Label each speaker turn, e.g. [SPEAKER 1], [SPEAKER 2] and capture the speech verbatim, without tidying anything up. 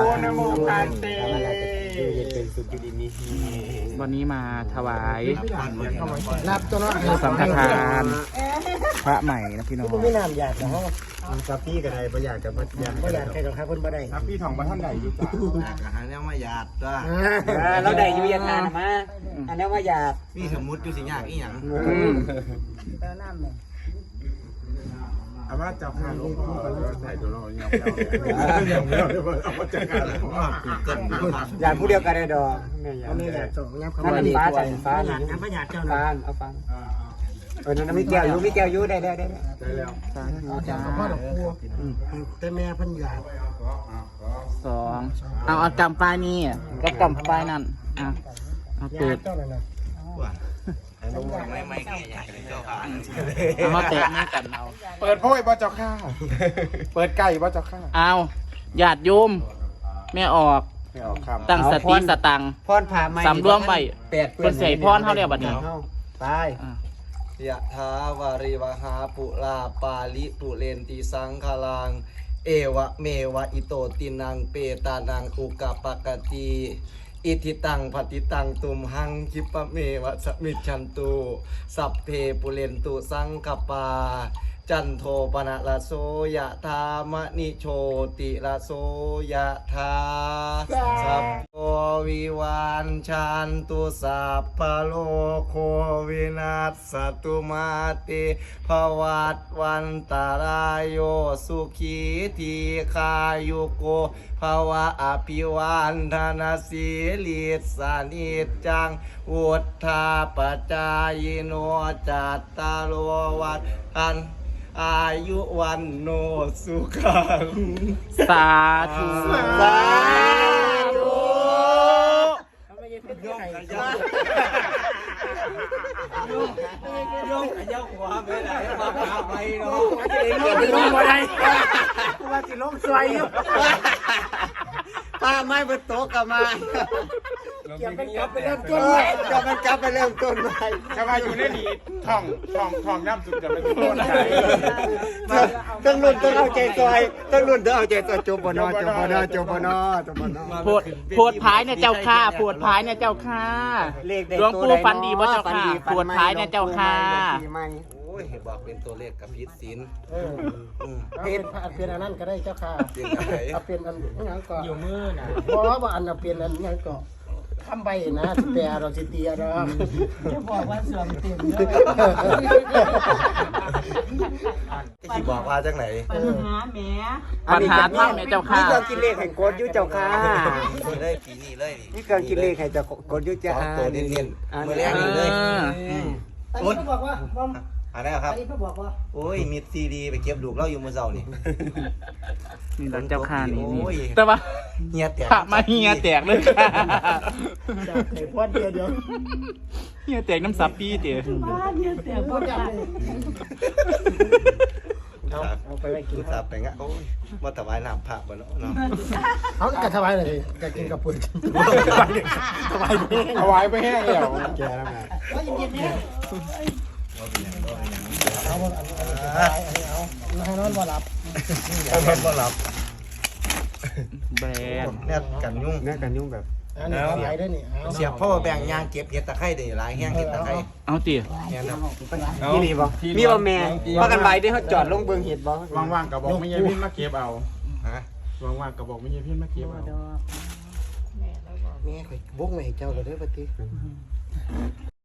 [SPEAKER 1] นโมพันเต
[SPEAKER 2] วันนี้มาถวาย
[SPEAKER 1] รับตัวน้อง
[SPEAKER 2] สังฆทานพระใหม่นะพี่น้อง
[SPEAKER 1] ไม่นานอยากนะฮะ
[SPEAKER 3] กับพี่กันใดประหยัดกับประหยัด
[SPEAKER 1] ไม่อยากใครกับใครคนบ่ได้
[SPEAKER 3] ครับพี่ทองมาท่านใดอยู่จ้ะ
[SPEAKER 4] อาหารแล้วมาหยาดจ้า
[SPEAKER 1] เราได้อยู่ยาทานมาอันนี้ว่าอยาก
[SPEAKER 4] พี่สมมุติอยู่สิยากอีหยัง
[SPEAKER 1] แล้วน้ำเนี่ย
[SPEAKER 3] อาว่าเจ้าข้าลูกพ่อใส่ตัวเราเงี้ยเงี้ยเงี้ยเอามาจัดการ
[SPEAKER 4] เกิด
[SPEAKER 1] อยากผู้เดียวกันได้ดอกไม่อยากส่งงับเข้ามาฟ้าจันฟ้าหลังฟ้าอยากเจ้าหน้าเอาฟังเออนั่นมีแก้วอยู่มีแก้วอยู่ได้ได้ได้
[SPEAKER 3] ได้แล้ว
[SPEAKER 2] สาธุจ้า
[SPEAKER 1] แต่แม่พันอยาก
[SPEAKER 2] สองเอาเอากำปลายนี่ก็กำปลายนั่นอ่ะเอาเปิด
[SPEAKER 1] เจ้านั่นนะ
[SPEAKER 4] ไม่ไม่ไม่อยากเลยเจ้าค่ะ
[SPEAKER 2] เอามาแตะนี่กันเอา
[SPEAKER 3] เปิดโพ่ยบ่เจ้าข้าเปิดไก่บ่เจ้าข้า
[SPEAKER 2] เอาญาติโยมแม่ออก
[SPEAKER 3] ไม่ออกคำ
[SPEAKER 2] ตั้งสติสตัง
[SPEAKER 1] พรผ่าไม้
[SPEAKER 2] สำรวมไว้เพิ่นใส่พรเฮาแล้วบัดนี้
[SPEAKER 1] ไป
[SPEAKER 4] ยะถาวาริวหาปุราปาลิปุเรนติสังคลังเอวะเมวะอิโตตินังเปตานังอุกปปกติอิทิตังปฏิตังตุมหังคิปะเมวะสมิจฉันตุสัพเพปุเรนตุสังคปาจันโทปนะละโสยะธามณิโชติละโสยะธาสัพพวิวันชันตุสัพพโลกโควินัสสตุมาเตภวัตวันตารายโยสุขีทีคายุโกภวะอภิวันธนาสีลิสานิจจังอุทธาปจายโนจัตตารโลวัฏอันอายุวันโนสุขัง
[SPEAKER 2] สาธุ
[SPEAKER 4] สาธุ
[SPEAKER 1] ยกขยับยกขยับหัวไปไหนมาพาไปเนาะว่าจะลงมาได้ว่าจะลงสวยอยู่ป้าไม่บนโต๊ะกับมาเก็บมันกลับไปเริ่มต้นใหม่เก็บมันกลับไปเริ่มต้นใหม่
[SPEAKER 3] ถ้ามาอยู่ในนี้ท่องท่องท่องน้ำสุดจะเป็นโทษใจ
[SPEAKER 1] ต้องรุ่นต้องเอาใจซอยต้องรุ่นต้องเอาใจซอยจบบนอจบบนอจบบนอจบบนอ
[SPEAKER 2] โพดโพดพายเนี่ยเจ้าค่าโพดพายเนี่ยเจ้าค่าหลวงปู่ฟันดีบ่เจ้าค่าโพดพายเนี่ยเจ้าค่า
[SPEAKER 4] โอ้ยเห็นบอกเป็นตัวเลขกับพิษศิล
[SPEAKER 1] เออเป็นเป็นอันนั้นก็ได้เจ้าค่ะเอาเป็นอันนี้ก่อนอยู่มือน่ะเพราะว่าอันเป็นอันนี้ก่อนทำใบนะแต่เราสิเตียเราจะบอกว่าเสื่อมเต็มเลย
[SPEAKER 4] ที่บอกว่าจากไหน
[SPEAKER 5] ปัญหาแหม
[SPEAKER 2] ปัญหาท่านเนี่ยเจ้าค่า
[SPEAKER 1] นี่เครื่องกินเลขแห่งกดยุเจ้าค่ะ
[SPEAKER 4] นี่เลยปีนี้เลย
[SPEAKER 1] นี่เครื่องกินเลขแห่งเจ้ากดยุ
[SPEAKER 4] ส
[SPEAKER 1] จ้า
[SPEAKER 4] องตัวเน้นๆมือแรกนี่เลย
[SPEAKER 1] อันนี้เขาบอกว่า
[SPEAKER 4] อันนี้ครับ
[SPEAKER 1] อันนี้เขาบอกว่า
[SPEAKER 4] โอ้ยมีซีดีไปเก็บลูกเราอยู่มือเสานี่
[SPEAKER 2] นี่หลังเจ้าค่านี่
[SPEAKER 4] โอ้ย
[SPEAKER 2] แต่ว่า
[SPEAKER 4] เฮียแตก
[SPEAKER 2] พระมาเฮียแตกเลยค่ะ
[SPEAKER 1] ไข่พอดเดียวเดียว
[SPEAKER 2] เฮียแตกน้ำซับปี้เตี๋ย
[SPEAKER 5] บ้านเนี่ยแต่บ่ได้
[SPEAKER 1] เอาเอาไปไว้กิน
[SPEAKER 4] กูสับไปงะโอ้ยมาถวายน้ำพระบ่เนาะเนาะ
[SPEAKER 1] เขาจะถวายอะไรจะกินกับปุ่นถวายไป
[SPEAKER 3] เอาไว้ไปแห้งแล้ว
[SPEAKER 1] แกแล้วไงว่าเย็นๆเนี่ยเอาอันนี้เอาอันนี้เอาให้นอนบ่หลับ
[SPEAKER 4] เอาเพิ่นบ่หลับ
[SPEAKER 2] แบรนด์
[SPEAKER 4] แนบกันยุ่ง
[SPEAKER 3] แน่กันยุ่งแบบ
[SPEAKER 1] อันนี้ถวายได้นี่เอา
[SPEAKER 4] เสียบพ่อแบ่งยางเก็บเห็ดตะไคร้ได้หลายแห้งเห็ดตะไคร้
[SPEAKER 2] เอาเตี๋ย
[SPEAKER 4] เนี่ยนะ
[SPEAKER 1] มีนี่บ่มีบ่แม่ว่ากันใบได้เขาจอดลงเบิ่งเห็ดบ่
[SPEAKER 3] ว่างๆกับบอกไม่ใช่พี่มาเก็บเอา
[SPEAKER 4] ฮะ
[SPEAKER 3] ว่างๆกับบอกไม่ใช่พี่มาเก็บเอา
[SPEAKER 1] แม่ข่อยบุกไว้ให้เจ้าก็ได้อบัดนี้